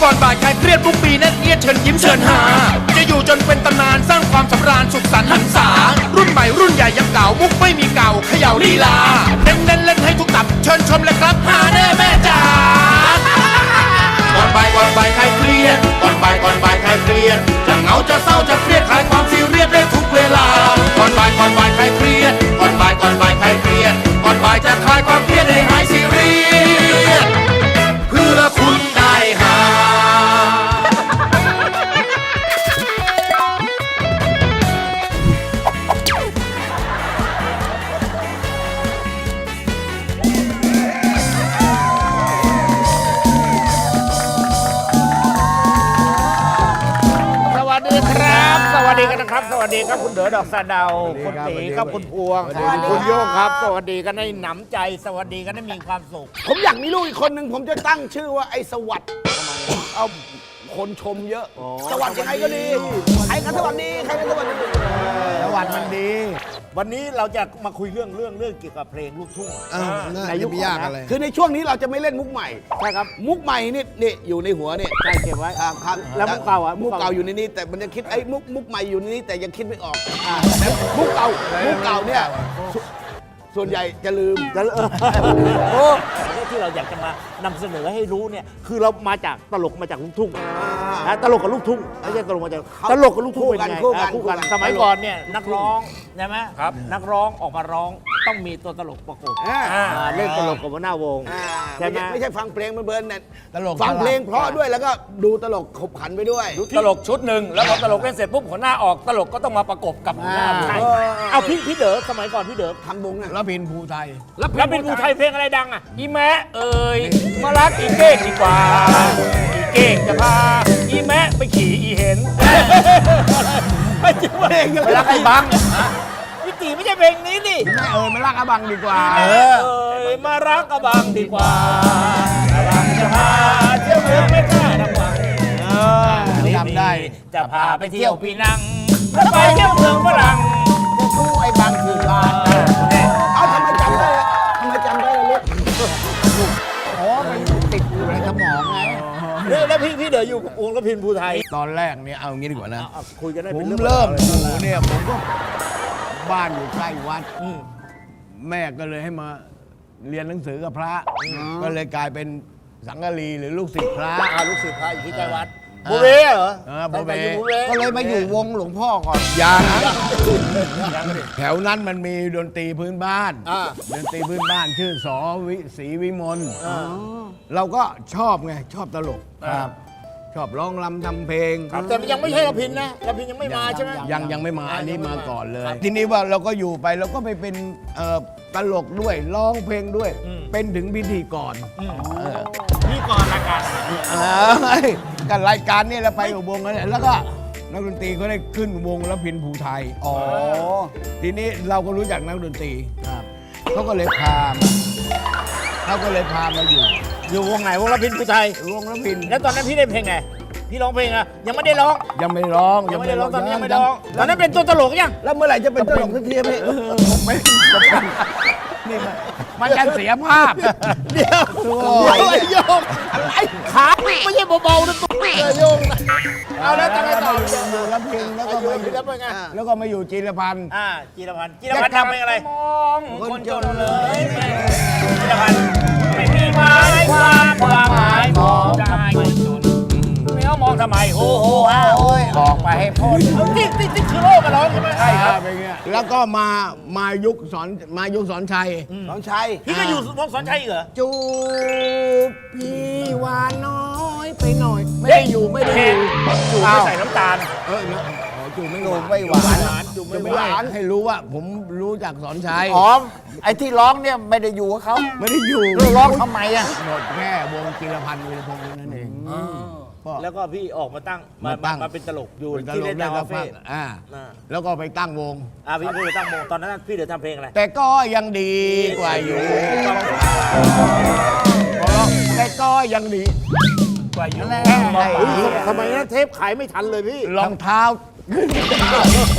ก่อนบ่ายคลายเครียดทุกปีแน่นเอียดเชิญยิ้มเชิญหาจะอยู่จนเป็นตำนานสร้างความสำราญสุขสันต์หันษารุ่นใหม่รุ่นใหญ่ยังเก่ามุกไม่มีเก่าเขย่าลีลาเน้นเล่นให้ทุกตับเชิญชมเลยครับหาแน่แม่จ๋าก่อนบ่ายคลายเครียดก่อนบ่ายคลายเครียดจะเหงาจะเศร้าจะเครียดคลายความซีเรียสได้ทุกเวลาก่อนบ่ายคลายเครียดก่อนบ่ายคลายเครียดก่อนบ่ายจะคลายความเครียดให้หายซีเรียสเพื่อคุณได้หาสวัสดีครับ สวัสดีกันนะครับ สวัสดีครับคุณเด๋อดอกสะเดาคุณตีครับคุณพวงคุณโยงครับ สวัสดีกันให้หนำใจ สวัสดีกันให้มีความสุขผมอยากมีลูกอีกคนหนึ่งผมจะตั้งชื่อว่าไอ้สวัสดิ์เอาคนชมเยอะ สวัสดิ์ยังไงก็ดีใครก็สวัสดีใครก็สวัสดีสวัสดีมันดี วันนี้เราจะมาคุยเรื่องเกี่ยวกับเพลงลูกทุ่งในยุคยากอะไรคือในช่วงนี้เราจะไม่เล่นมุกใหม่ใช่ครับมุกใหม่นี่อยู่ในหัวเนี่ยใช่เก็บไว้ครับแล้วมุกเก่าอ่ะมุกเก่าอยู่ในนี้แต่มันยังคิดไอ้มุกใหม่อยู่ในนี้แต่ยังคิดไม่ออกแล้วมุกเก่าเนี่ยส่วนใหญ่จะลืมโอ้ที่เราอยากจะมานำเสนอให้รู้เนี่ยคือเรามาจากตลกมาจากลูกทุ่งนะตลกกับลูกทุ่งไม่ใช่ตลกมาจากตลกกับลูกทุ่งเป็นไงคู่กันสมัยก่อนเนี่ยนักร้องใช่ไหมครับนักร้องออกมาร้องต้องมีตัวตลกประกบเล่นตลกกับหัวหน้าวงใช่ไหมไม่ใช่ฟังเพลงเบิร์นๆเนี่ยตลกฟังเพลงเพราะด้วยแล้วก็ดูตลกขบขันไปด้วยตลกชุดหนึ่งแล้วพอตลกเล่นเสร็จปุ๊บหัวหน้าออกตลกก็ต้องมาประกบกับหัวหน้าใช่เอาพี่เด๋อสมัยก่อนพี่เด๋อทำวงน่ะแล้วพินภูไทยแล้วเป็นผู้ไทยเพลงอะไรดังอ่ะอีแมะเอ่ยมารักอีเก้งดีกว่าอีเก้งจะพาอีแมะไปขี่อีเห็นไม่จริงเพลงยังรักไอ้บังพี่ตีไม่ใช่เพลงนี้ดิไม่มารักอาบังดีกว่าเอ่ยมารักกระบังดีกว่าอาบังจะพาเที่ยวเมืองไม่กล้าดังบังจำได้จะพาไปเที่ยวปีนังแล้วไปเที่ยวเมืองฝรั่งจะสู้ไอ้บางคือลานเอาทำไมจำได้ล่ะลูกอ๋อมันติดอยู่ในสมองไงแล้วพี่เด๋ออยู่วงกระพินภูไทยตอนแรกเนี่ยเอางี้ดีกว่านะคุยกันได้ผเป็นมเรื่องเริ่มอยู่เนี่ยผมก็บ้านอยู่ใกล้วัดแม่ก็เลยให้มาเรียนหนังสือกับพระ ก็เลยกลายเป็นสังฆลีหรือลูกศิษย์พระลูกศิษย์พระอยู่ที่ใกล้วัดอ่าบูเบ้เหรอบูเบ้ตั้งแต่อยู่บูเบ้ก็เลยมาอยู่วงหลวงพ่อก่อนยังแถวนั้นมันมีดนตรีพื้นบ้านอ่าดนตรีพื้นบ้านชื่อสวิศรีวิมลเราก็ชอบไงชอบตลกชอบร้องรำทำเพลงแต่ยังไม่ใช่กระพินนะกระพินยังไม่มาใช่ไหมยังไม่มาอันนี้มาก่อนเลย ทีนี้ว่าเราก็อยู่ไปเราก็ไปเป็นตลกด้วยร้องเพลงด้วย เป็นถึงพิธีกรพี่ก่อนรายการกับรายการนี่เราไปกับวงนั้นแหละแล้วก็นักดนตรีเขาได้ขึ้นวงแล้วพินภูไทยทีนี้เราก็รู้จักนักดนตรีเขาก็เลยพามาอยู่วงไหนวงกระพินภูไทยวงแล้วพินแล้วตอนนั้นพี่ได้เพลงไงพี่ร้องเพลงอะยังไม่ได้ร้องยังไม่ร้องยังไม่ได้ร้องตอนนี้ยังไม่ได้ร้องตอนนั้นเป็นตัวตลกยังแล้วเมื่อไหร่จะเป็นตลกสักทีพี่ไม่นี่มันจะเสียภาพเดี๋ยวโยงอะไรขาไม่ใช่เบาๆนะตัวโยงนะเอาแล้วทำไมต่ออยู่แล้วพินแล้วก็มาอยู่แล้วเป็นไงแล้วก็มาอยู่จีรพันธ์จีรพันธ์ทำเพลงอะไรมองคนจนเลยจีรพันธ์ไม่มีหมายความหมายมองได้คนจนไม่เอามองทำไมโอ้โหบอกไปให้พ้นที่คือโลกกันร้องใช่ไหมใช่ครับเป็นเงี้ยแล้วก็มายุคสอนชัยน้องชัยพี่ก็อยู่วงสอนชัยอีกเหรอจูบพี่หวานน้อยไปหน่อย ไม่ได้อยู่ไม่ได้อยู่จูไม่ใส่น้ำตาลจูบไม่จูหบวานไม่หวานจูจะไม่ไม่หวาหวาน นให้รู้ว่าผมรู้จักสอนชัยอ๋อไอ้ที่ร้องเนี่ยไม่ได้อยู่กับเขาไม่ได้อยู่ร้องทำไมอ่ะหมดแค่วงจิรพันธ์วีรพงษ์นั่นเองก็แล้วก็พี่ออกมาตั้งมาเป็นตลกอยู่เป็นตที่ลเล่กนได้ดาวก็คาฟัเฟ่งแล้วก็ไปตั้งวงพี่ไปตั้งวงตอนนั้นพี่เดี๋ยวทำเพลงอะไรแต่ก็ยังดีกว่าอยู่แต่ก็ยังดีกว่าอยู่ทำไมนะเทปขายไม่ทันเลยพี่รองเท้า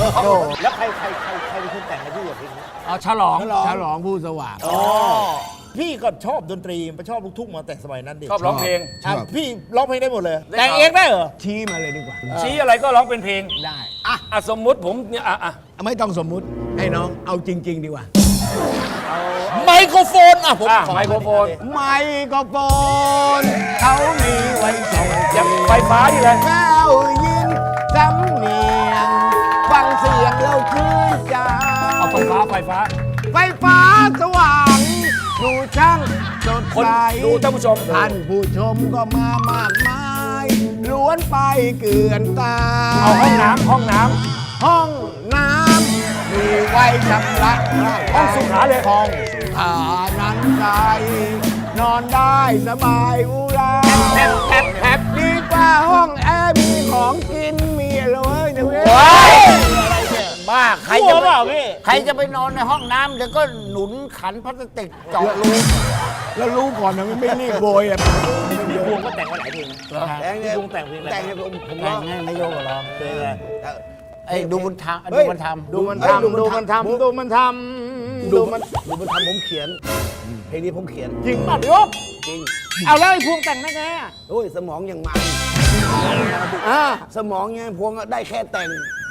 แล้วใครเป็นคนแต่งให้พี่อย่างเพลงนี้เอาฉลองผู้สว่างพี่ก็ชอบดนตรีชอบลูกทุ่งมาแต่สมัยนั้นดิชอบร้องเพลงอ่ะพี่ร้องเพลงได้หมดเลยได้แต่งเองได้เหรอชี้มาเลยดีกว่าชี้อะไรก็ร้องเป็นเพลงได้อ่ะสมมุติผมเนี่ยอ่ะไม่ต้องสมมุติให้น้องเอาจริง ๆ ดีกว่าไมโครโฟนอ่ะผมขอไมโครโฟนไมโครโฟนเขามีไว้ส่งยังไฟฟ้าอยู่เลยแก้วยินสำเนียง ฟังเสียงเราชื่นใจเอาไฟฟ้าไฟฟ้าสว่างดูช่างสดคนใสดูท่านผู้ชมท่านผู้ชมก็มามากมายล้วนไปเกลื่อนตาเอาห้องน้ำห้องน้ำมีไว้ชำระร่างกายห้องสุขาเลยห้องสุขานั้นใจนอนได้สบายอุราแอบดีกว่าห้องแอร์มีของกินมีอะไรเว้ยเนี่ยเว้ยบ้าใครกลัจะวไปเปล่าพี่ใครจะไปนอนในห้องน้ำเดี๋ยวก็หนุนขันพลาสติกเจาะรูแล้วรู้ก่อนนะไม่รีบโบยอ่ะพี่พวงก็แต่งมาหลายเพลงนะแต่งเนี่ยพี่พวงแต่งเพลงอะไรแต่งเนี่ยผมแต่ร้องงให้นายโยกร้องเพลงอะไรไอ้ดูมันทำเฮ้ดูยมันทำดูมันเฮ้ยทำดูมันทำดูมันทำดูมันทำผมเขียน เพลงนี้ผมเขียนจริงป่ะพี่ยกจริงเอาแล้วไอ้พวงแต่งได้ไงอ่ะโอ้ยสมองยังมันอ่าสมองยังพวงได้แค่แต่ง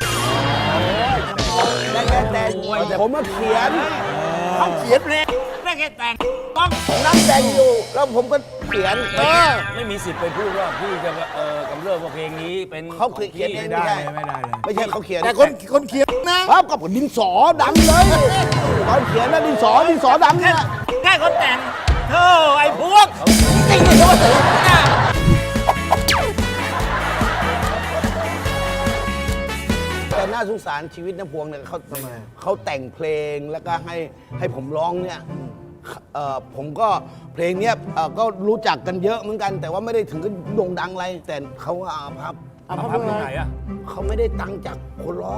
ได้แค่แต่งแต่ผมมาเขียนเขาเขียนเพลงได้แค่แต่งต้องผมนั่งแต่งอยู่ แล้วผมก็เขียนไม่มีสิทธิ์ไปพูดว่าพี่จะกำเริบว่าเพลงนี้เป็นเขาเขียนเองไม่ได้ไม่ได้เลยไม่ใช่เขาเขียนแต่คนเขียนนะครับกับดินสอดำเลยตอนเขียนนะดินสอดำเนี่ยแค่คนแต่งเธอไอ้พวกจริงเลยว่าแต่น่าสงสารชีวิตน้าพวงเนี่ยเขาแต่งเพลงแล้วก็ให้ผมร้องเนี่ยผมก็เพลงเนี้ยก็รู้จักกันเยอะเหมือนกัน แต่ว่าไม่ได้ถึงกับโด่งดังอะไร แต่เขาว่าอาภัพเอาภาพตรงไหนอ่ะเขาไม่ได้ตังค์จากคนร้อง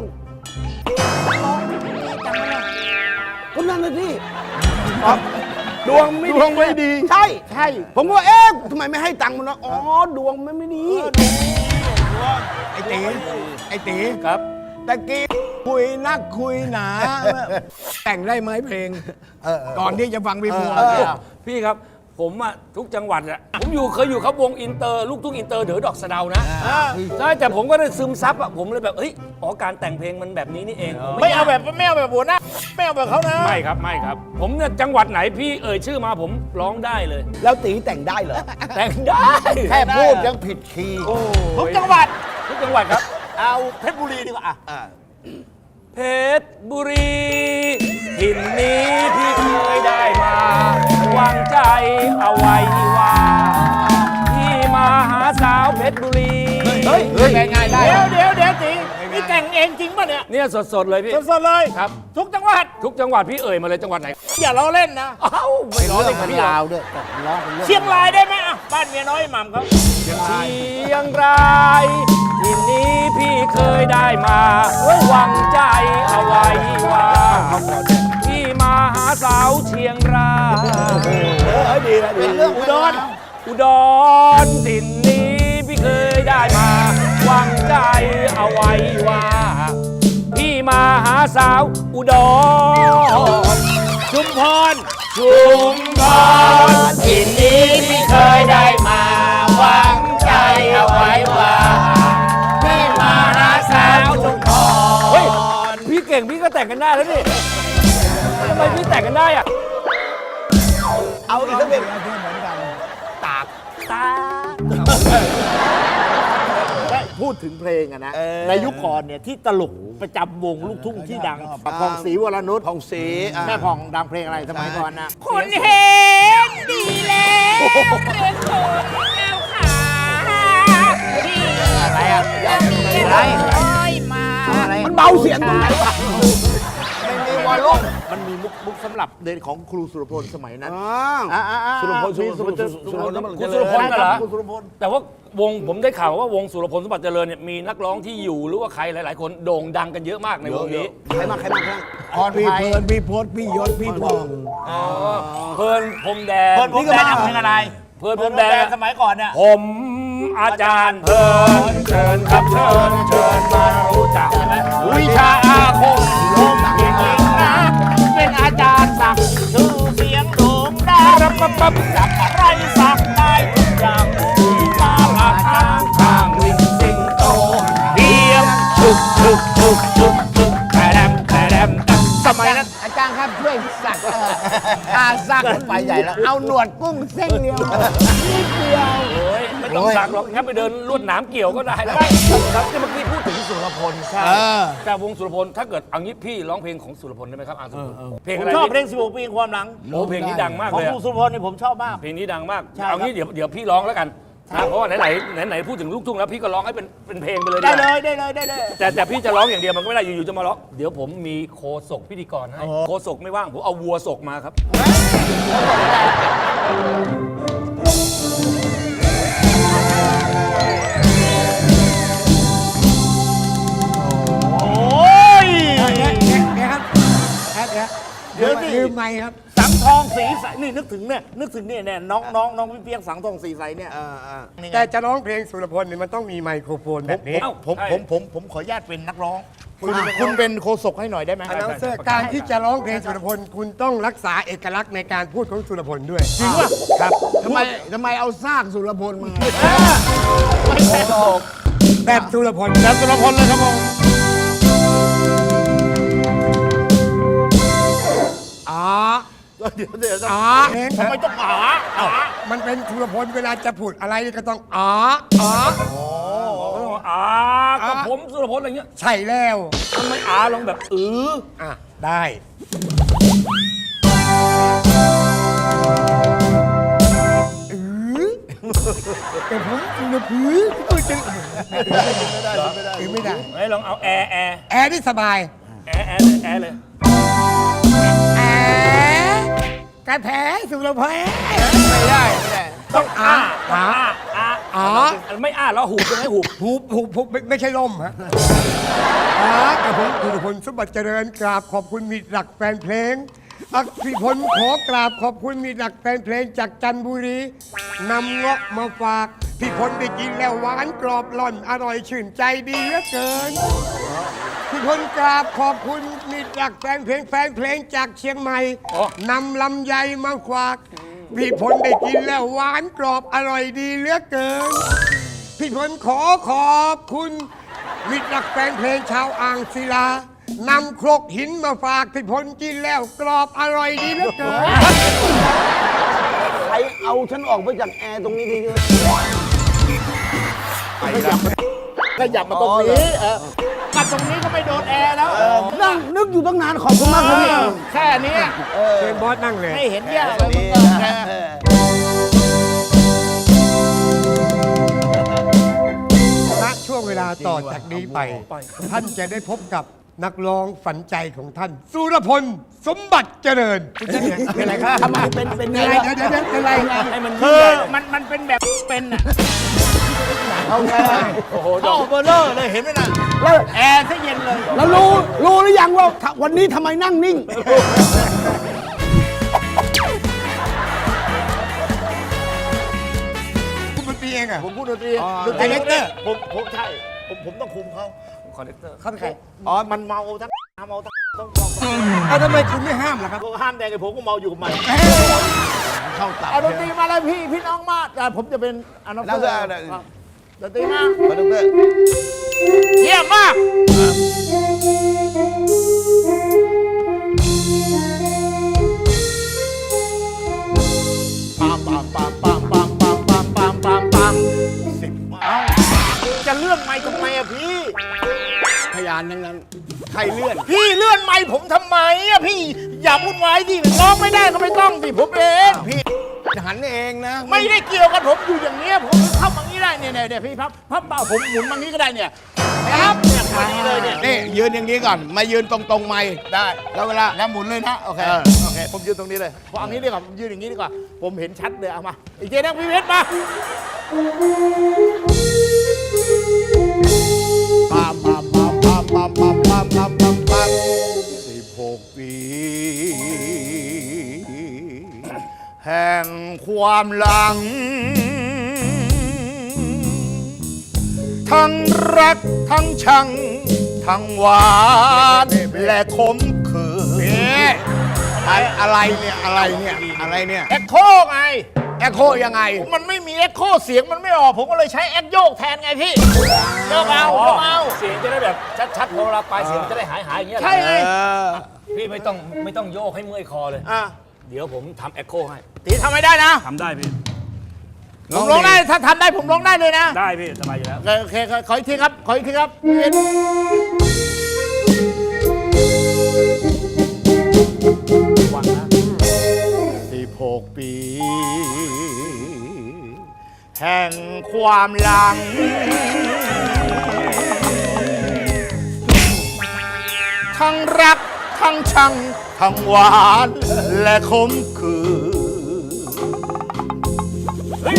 ก็นั่นน่ะสิดวงไม่ดี ใช่ ผมว่าเอ๊ะทำไมไม่ให้ตังค์มันวะอ๋อดวงมันไม่ดีไอ้ตีครับตะกี้คุยนักคุยหนา แต่งได้ไหมเพลงก่อนที่จะฟังพี่พวงพี่ครับ ผมอะทุกจังหวัดอะผมเคยอยู่เขาวงอินเตอร์ลูกทุ่งอินเตอร์เด๋อดอกสะเดานะใช่แต่ผมก็ได้ซึมซับอะผมเลยแบบเฮ้ยอ๋อการแต่งเพลงมันแบบนี้นี่เองไม่เอาแบบหัวหน้าไม่เอาแบบเขานะไม่ครับ ผมเนี่ยจังหวัดไหนพี่เอ่ยชื่อมาผมร้องได้เลยแล้วตีแต่งได้เหรอแต่งได้แค่พูดยังผิดคีย์ทุกจังหวัดทุกจังหวัดครับเอาเพชรบุรีดีกว่าอ่ะเพชรบุรีถิ่นนี้พี่เคยได้มาวางใจเอาไว้ว่าพี่มาหาสาวเพชรบุรีเฮ้ยง่ายได้เดี๋ยวตีนี่แต่งเองจริงป่ะเนี่ยเนี่ยสดๆเลยพี่สดๆเลยครับทุกจังหวัดทุกจังหวัดพี่เอ่ยมาเลยจังหวัดไหนอย่าล้อเล่นนะเอ้าไม่ร้องเลยมันพี่หรอยาวด้วยแต่ร้องเป็นเรื่องเชียงรายได้ไหมอ่ะบ้านเมียน้อยหม่ำเขาเชียงรายถิ่นนี้พี่เคยได้มาหวังใจเอาไว้ว่าพี่มาหาสาวเชียงรายเป็นเรื่องอุดรถิ่นนี้พี่เคยได้มาหวังใจเอาไว้ว่า พี่มาหาสาวอุดรชุมพรถิ่นนี้พี่เคยได้มาหวังใจเอาไว้ว่า พี่มาหาสาวชุมพรเฮ้ยพี่เก่งพี่ก็แต่งกันได้แล้วนี่ทำไมพี่แต่งกันได้อะเอาอีกสักเพลงตาได้พูดถึงเพลงอะนะ ในยุคก่อนเนี่ยที่ตลกประจำวงลูกทุ่งที่ดังผ่องศรีวรนุชผ่องศรีแม่ผ่องดังเพลงอะไรสมัยก่อนนะคนเห็นดีแล้วเรื่องคนเอาขาที่อะไรอ่ะอะไรมามันเบาเสียงตรงไหนวะไม่มีวอลลุ่มมันมีมุกสำหรับเดินของครูสุรพลสมัยนั้นสุรพลมีสุรพลคุณสุรพลกันเหรอครูสุรพลแต่ว่าวงผมได้ข่าวว่าวงสุรพลสมบัติเจริญเนี่ยมีนักร้องที่อยู่หรือว่าใครหลาย ๆ คนโด่งดังกันเยอะมากในวงนี้ใครมาพรพี่เพลินพี่พศพี่ยศพี่พองเพลินพรมแดงเพิ่นผมแดงทำเพลงอะไรเพลินพรมแดงสมัยก่อนเนี่ยผมอาจารย์เพลินเชิญครับเชิญมารู้จักใช่ไหมวิชาอาคมลมเพียงเองนะเป็นอาจารย์สักดิ์ชื่อเสียงโด่งดังปั๊บจับอะไรสักได้ทุกอย่างมาลาทางทางลิงสิงโตเดียมชุกชุกชุกชุกชุกแครมแครมสมัยนั้นอาจารย์ครับช่วยสักอาสักไปใหญ่แล้ว เอาหนวดกุ้งเส้นเดียวนิดเดียวโอ้ยไม่ต้องสักหรอกงั้นไปเดินลวดหนามเกี่ยวก็ได้แล้วครับที่เมื่อกี้พูดถึงสุรพลใช่แต่วงสุรพลถ้าเกิดเอางี้พี่ร้องเพลงของสุรพลได้ไหมครับสุรพลเพลงผอะมไรชอบเพลง16 ปีแห่งความหลังโอ้เพลงนี้ดังมากของเลยครูสุพลนี่ผมชอบมากเพลงนี้ดังมากใช่เอางี้เดี๋ยวพี่ร้องแล้วกันนะเพราะว่าไหนพูดถึงลูกทุ่งแล้วพี่ก็ร้องให้เป็นเพลงไปเลยได้ดีกเลว่ายได้เลยได้เลยแต่พี่จะร้องอย่างเดียวมันก็ไม่ได้อยู่ๆจะมาร้องเดี๋ยวผมมีโคศกพิธีกรให้โคศกไม่ว่างผมเอาวัวศกมาครับโอ้ยเดี๋ยวลืมไม่ครับสังทองสีใสนี่นึกถึงเนี่ยน้องพี่เปียกสังทองสีใสเนี่ยนี่ไงแต่จะร้องเพลงสุรพลเนี่ยมันต้องมีไมโครโฟนแบบนี้ผมขออนุญาตเป็นนักร้อง คุณเป็นโคศกให้หน่อยได้ไหมอันนั้นเสื้อการที่จะร้องเพลงสุรพลคุณต้องรักษาเอกลักษณ์ในการพูดของสุรพลด้วยจริงป่ะครับทำไมเอาซากสุรพลมาแบบสุรพลแล้วสุรพลเลยครับผมอ๋อเดี๋ยวอ๋อเพลงทำไมต้องมันเป็นสุรพลเวลาจะพูดอะไรก็ต้องอ๋ออ๋อกับผมสุรพลอะไรเงี้ยใช่แล้วทำไมลองแบบอ่ะได้แต่ผมสุรพลพูดจังไม่ได้ไหนลองเอาแอร์แอร์นี่สบายแอร์เลยแอร์กระแผสุรพลไม่ได้ต้องอ๋อไม่แล้วหูจะให้หูหูไม่ใช่ล่มฮะกับผมสุรพลสมบัติเจริญกราบขอบคุณมิตรหลักแฟนเพลงอักษิพลขอกราบขอบคุณมิตรหลักแฟนเพลงจากจันทบุรีนำเงาะมาฝากพี่พลได้กินแล้วหวานกรอบหล่อนอร่อยชื่นใจดีเหลือเกินพี่พลกราบขอบคุณมิตรหลักแฟนเพลงจากเชียงใหม่นำลำไยมาฝากพี่พลได้กินแล้วหวานกรอบอร่อยดีเหลือเกินพี่พลขอบคุณมิตรหลักแฟนเพลงชาวอ่างศิลานำครกหินมาฝากพี่พลกินแล้วกรอบอร่อยดีเหลือเกินใครเอาฉันออกไปจากแอร์ตรงนี้ทีเดียวขยับมาตรงนี้มาตรงนี้ก็ไม่โดนแอร์แล้วนั่งนึกอยู่ตั้งนานขอบคุณมากครับพี่แค่นี้เชิญบอสนั่งเลยให้เห็นแย่เลยณช่วงเวลาต่อจากนี้ไป ท่านจะได้พบกับนักร้องฝันใจของท่าน สุรพลสมบัติเจริญเป็นอะไรครับทำไมเป็นอะไรเดี๋ยวเป็นอะไรให้มันคือมันเป็นแบบเป็นอ่ะเอาไงท่อเบอร์เลอร์เลยเห็นไหมน่ะแล้วแอร์ซะเย็นเลยแล้วรู้หรือยังว่าวันนี้ทำไมนั่งนิ่งคุณดนตรีเองอ่ะผมพูดดนตรีไดเรคเตอร์ผมใช่ผมต้องคุมเขาคอนเนคเตอร์เขาเป็นใครมันเมาทั้งเมาทั้งต้องเอาทำไมคุณไม่ห้ามล่ะครับห้ามแดงไอ้ผมก็เมาอยู่กับมันเข้าตับเอาดนตรีมาเลยพี่น้องมาผมจะเป็นอนาคตดนตรีมาคอนดักเตอร์เยี่ยมมากจะเลื่อนไม้ทำไมอะพี่พยานทั้งนั้น ใครเลื่อนพี่เลื่อนไม้ผมทำไมอะพี่อย่าวุ่นวายดิร้องไม่ได้ก็ไม่ต้องสิผมเองพี่หันเองนะไม่ได้เกี่ยวกันผมอยู่อย่างเนี้ยผมเข้ามางี้ได้เนี่ยพี่พับเปล่าผมหมุนมางี้ก็ได้เนี่ยครับเนี่ยพอดีเลยเนี่ยนี่ยืนอย่างนี้ก่อน มายืนตรงๆไม่ได้แล้วเวลาแล้วหมุนเลยนะ โอเคโอเคผมยืนตรงนี้เลยพอเอางี้ดีกว่าผมยืนอย่างนี้ดีกว่าผมเห็นชัดเลยเอามาอีกเจนั่งพี่เพชรมา 16 ปีแห่งความหลัง ทั้งรักทั้งชัง ทั้งหวานและขมขื่นทำไมอะไรเนี่ยอะไรเนี่ยอะไรเนี่ยเอ็กโคไงแอคโคยังไงมันไม่มีเอ็กโคเสียงมันไม่ออก ผมก็เลยใช้เอ็กโยกแทนไงพี่โยกเอาโยกเอาเสียงจะได้แบบชัดๆพอเวลาปลายเสียงจะได้หายอย่างเงี้ยเหรอใช่ไงพี่ไม่ต้องโยกให้เมื่อยคอเลยอ่ะเดี๋ยวผมทำเอ็กโคให้ตีทำไม่ได้นะทำได้พี่ผมร้องได้ ถ้าทำได้ผมร้องได้เลยนะได้พี่สบายอยู่แล้วโอเคขออีกทีครับ ขออีกทีครับวังนะ16 ปี แห่งความหลัง ทั้งรัก ทั้งชัง ทั้งหวาน และขมขื่น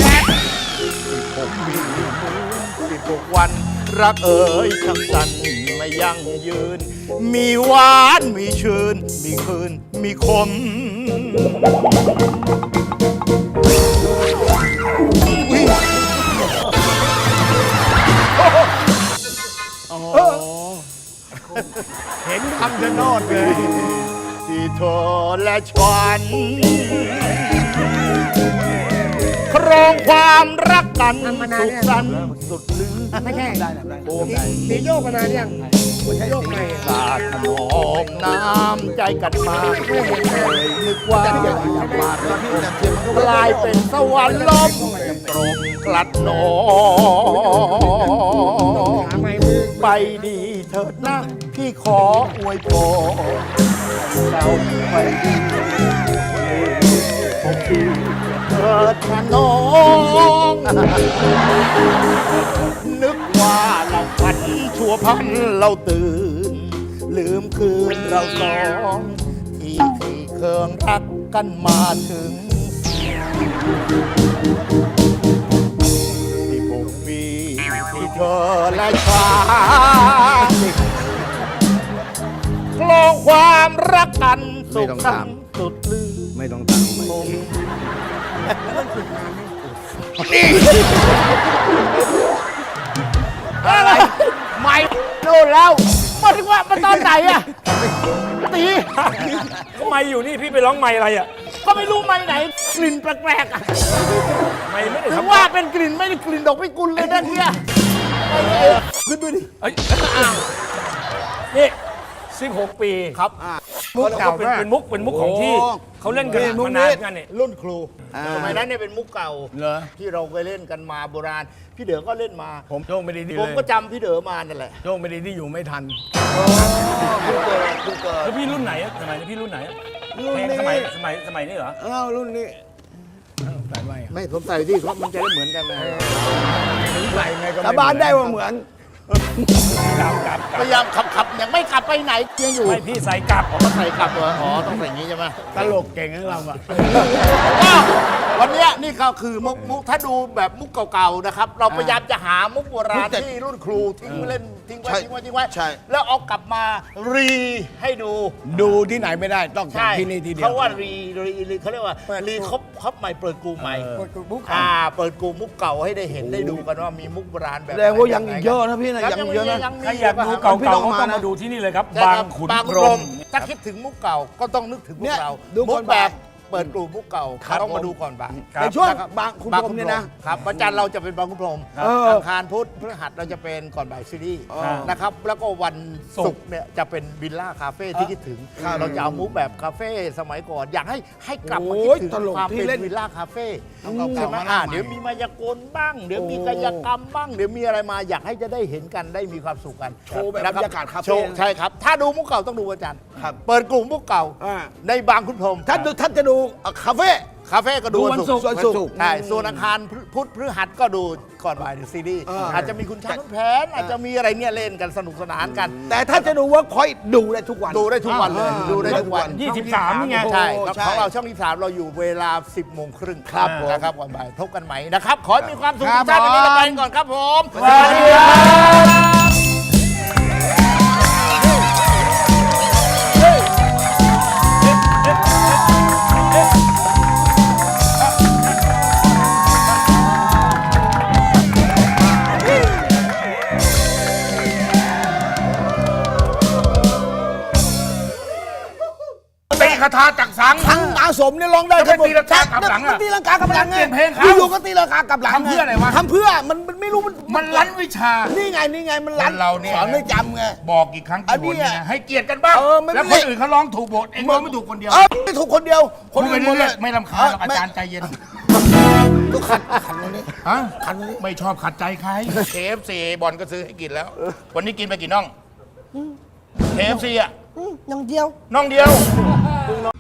16 วัน รักเอ๋ยช่างสั้นไม่ยั่งยืน มีหวานมีชื่น มีคืน มีคมเห็นคำชะโนดเลยที่เธอและฉันครองความรักกันสุขสันต์สุดลือไม่ใช่ตีโยกมานานยังโยกใหม่สาดถนอมน้ำใจกันมานึกว่าจะมากลายเป็นสวรรค์ล้มตรงกลัดหนอหาไม้มือไปดีเถิดนะพี่ขออวยพรเราไปดีเถิดนะน้อง นึกว่าเราฝันชั่วพันเราตื่น ลืมคืนเราสองที่เครื่องรักกันมาถึง16 ปีที่เธอและฉันคลองความรักกันสุขสันต์สุดลือไม่ต้องตังค์อะไรไม่โน่นแล้วมาถึงว่ามาตอนไหนอะตีก็ไม่อยู่นี่พี่ไปร้องไม่อะไรอ่ะก็ไม่รู้ไม่ไหน กลิ่นแปลกๆอะไม่ได้ถึงทำว่าเป็นกลิ่นไม่ได้กลิ่นดอกพิกุลเลยนะเนี่ยขึ้นด้วยดิเอ้ยนี่16 ปีครับมุกเก่าเป็นมากเป็นมุกของที่เขาเล่นกันมานานกันเนี่ยรุ่นครูสมัยนั้นเนี่ยเป็นมุกเก่าที่เราเคยเล่นกันมาโบราณ พี่เด๋อก็เล่นมาผมโชคไม่ดีดีผมเลยก็จำพี่เด๋อมานั่นแหละโชคไม่ดีที่อยู่ไม่ทันแล้วพี่รุ่นไหนอะสมัยนี้พี่รุ่นไหนอะรุ่นเพลงนี้สมัยนี้เหรออ้าวรุ่นนี้อ้าวใส่ไว้ไม่ผมใส่ที่เขามันจะได้เหมือนกันนะใส่ไงก็สาบานได้ว่าเหมือนพยายามขับยังไม่กลับไปไหนยังอยู่ไม่พี่ใส่กลับเขาใส่กลับเหรออ๋อต้องใส่อย่างนี้ใช่ไหมตลกเก่งของเราอะก็วันเนี้ยนี่ก็คือมุกถ้าดูแบบมุกเก่าๆนะครับ เราพยายามจะหามุกโบราณที่รุ่นครูทิ้งไว้เล่นทิ้งไว้ทิ้งไว้ทิ้งไว้ใช่แล้วเอากลับมารีให้ดูดูที่ไหนไม่ได้ต้องจากใช่ที่นี่ทีเดียวเขาว่ารีเขาเรียกว่ารีครบใหม่เปิดกลุ่มใหม่เปิดมุกเปิดกลุ่มมุกเก่าให้ได้เห็นได้ดูกันว่ามีมุกโบราณแบบแสดงว่ายังอีกเยอะนะพี่นะครับยังเยอะนะยังมีถ้าอยากดูเก่าๆก็ต้องมาดูที่นี่เลยครับใช่บางครับขุนบางพพรรหหมมถ้าคิดถึงมุกเก่าก็ต้องนึกถึงมุเนี่กยเราดูมุก่อก นแบบ่ายบเปิดกลุ่มมุกเก่าครับต้องมาดูก่อนบ่ายครับในช่วงครับบางคุณพรหมเนี่ยนะครับวันจันทร์เราจะเป็นบางคุณพรหมเอออังคารพุธพฤหัสเราจะเป็นก่อนบ่ายซีรีส์นะครับแล้วก็วันศุกร์เนี่ยจะเป็นวิลล่าคาเฟ่ที่คิดถึงเราจะเอามุกแบบคาเฟ่สมัยก่อนอยากให้กลับมาคิดถึงโอ้ยตลกความที่เป็นเล่นวิลล่าคาเฟ่เก่าๆใช่ไหมมาหน้าใหม่เดี๋ยวมีมายากลบ้าง เดี๋ยวมีกายกรรมบ้างเดี๋ยวมีอะไรมาอยากให้จะได้เห็นกันได้มีความสุขกันโชว์แบบนะบรรยากาศคาเฟ่โชว์ใช่ครับ ถ้าดูมุกเก่าต้องดูวันจันทร์ครับเปิดกลุ่มมุกเก่าอ่าในบางคุณพรหมท่านจะดูคาเฟ่คาเฟ่ก็ดูดูวันศุกร์วันศุกร์ใช่ส่วนอังคารพุธพฤหัสก็ดูก่อนบ่ายในซีรีส์อาจจะมีคุณช้างคุณแผนอาจจะมีอะไรเนี่ยเล่นกันสนุกสนานกันแต่ถ้าจะดูเวิร์กพอยต์ดูได้ทุกวันดูได้ทุกวันเลยอ่าดูได้ทุกวัน 23นี่ไงใช่โอ้ครับใช่ของเราช่องที่3เราอยู่เวลา 10 โมงครึ่งครับผมนะครับก่อนบ่ายพบกันใหม่นะครับ ขอให้มีความสุขครัทุบกท่านวันนี้ผมเราไปกันก่อนครับผมสวัสดีครับตีคาถาจักสังทั้งอาสมเนี่ยร้องได้แล้วไปตีลังกากลับหลังอะมันตีลังกากลับหลังไงเปลี่ยนเพลงเขาอยู่ๆก็ตีลังกากลับหลังทำเพื่ออะไรวะทำเพื่อมันไม่รู้มันลั้นวิชานี่ไงมันรันคนเราเนี่ยสอนไม่จำไงบอกกี่ครั้งกี่หนอันเนี้เนี่ยยให้เกียรติกันบ้างเออไม่แล้วคนอื่นเขาร้องถูกบทเองร้องไม่ถูกคนเดียวไม่ถูกคนเดียวพูดไปหมดเรื่อยๆไม่รำคาญหรอกอาจารย์ใจเย็นก็ขัดตรงนี้ฮะขัดตรงนี้ไม่ชอบขัดใจใคร KFC บอลก็ซื้อให้กินแล้ว วันนี้กินไปกี่น่อง KFC อ่ะอย่างเดียวน่องเดียว